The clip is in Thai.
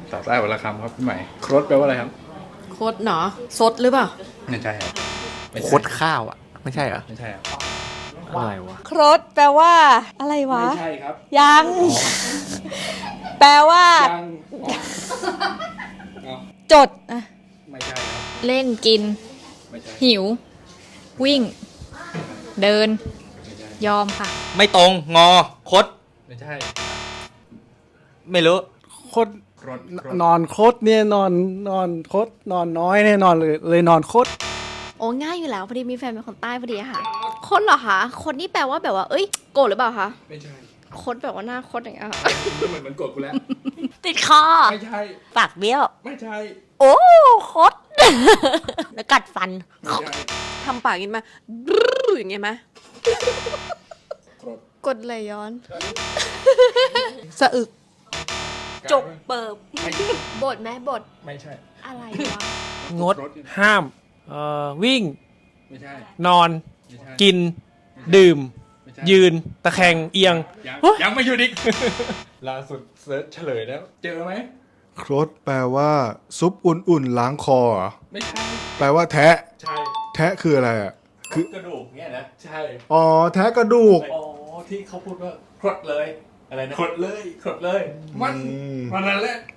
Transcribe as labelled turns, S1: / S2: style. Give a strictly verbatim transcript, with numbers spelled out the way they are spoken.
S1: ต่อใต้วันละคำครับพี่ใหม่ครดแปลว่าอะไรครับ
S2: โคตรเนาะซดหรือเปล่า
S1: ไม่ใช่ครับไม่
S3: โค
S1: ใช่
S3: ตรข้าวอ่ะ ไม่ใช่เหรอ
S1: ไม่ใช่ครับ
S3: อะไรวะ
S2: ครดแปลว่า อะไรวะ
S1: ไม่ใช่ครับ
S2: ยัง แปลว่า
S1: ยังเอา
S2: จดอะ
S1: ไม่ใช่ครับ
S4: เล่นกิน
S1: ไม่ใช่
S4: หิว วิ่ง เดิน
S1: ไม่ใช่
S4: ยอมค่ะ
S3: ไม่ตรง งอ คด
S1: ไม่ใช่
S3: ไม่รู้
S5: โคตร
S1: ครดครด
S5: นอนโคตรเนี่ยนอนนอนโคตรนอนน้อยเนี่ยนอนเลยเลยนอนโคตร
S6: โอ้ง่ายอยู่แล้วพอดีมีแฟนเป็นคนใต้พอดีอะค่ะ คนเหรอคะ คนนี่แปลว่าแบบว่า เอ้ยโกรธหรือเปล่าคะ
S1: ไม่ใช่
S6: คดแบบว่าหน้าคดอย่างเงี้ยค่ะ
S1: เหมือนเหมือนกดกูแล้ว
S6: ติดคอ
S1: ไม่ใช่
S6: ปากเบี้ยว
S1: ไม่ใช่
S6: โอ้คด แล้วกัดฟัน
S1: ไม่ใช่
S2: ทำปากอย่างนี้มาบรึ้อย่างเงี้ยไหม
S1: ครด
S6: กดไหลย้อน
S2: สะอึก จกเปิบ
S1: ไม่
S6: บทไหมบท
S1: ไม่ใช่
S6: อะไรวะ
S5: งดห้ามเอ่อวิ่ง
S1: ไม่ใช่
S5: นอน
S1: ไม่ใช่
S5: กิน ดื่ม
S1: ไม่ใช่
S5: ยืน ตะแคงเอียง
S1: ยังยังไม่หยุดอีก ล่าสุดเซิร์ชเฉลยแล้ว เจอไหม
S7: ครดแปลว่าซุปอุ่นๆล้างคอเหรอ
S1: ไม่ใช่
S7: แปลว่าแทะ
S1: ใช่
S7: แทะคืออะไรอ่ะ
S1: คือกระดูกเนี่ยนะใช่
S7: อ๋อ แทะกระดูก
S1: อ๋อที่เขาพูดว่าครดเลยอะไรนะครดเลยครดเลย มัน
S7: อืม
S1: มันนั่นแหละ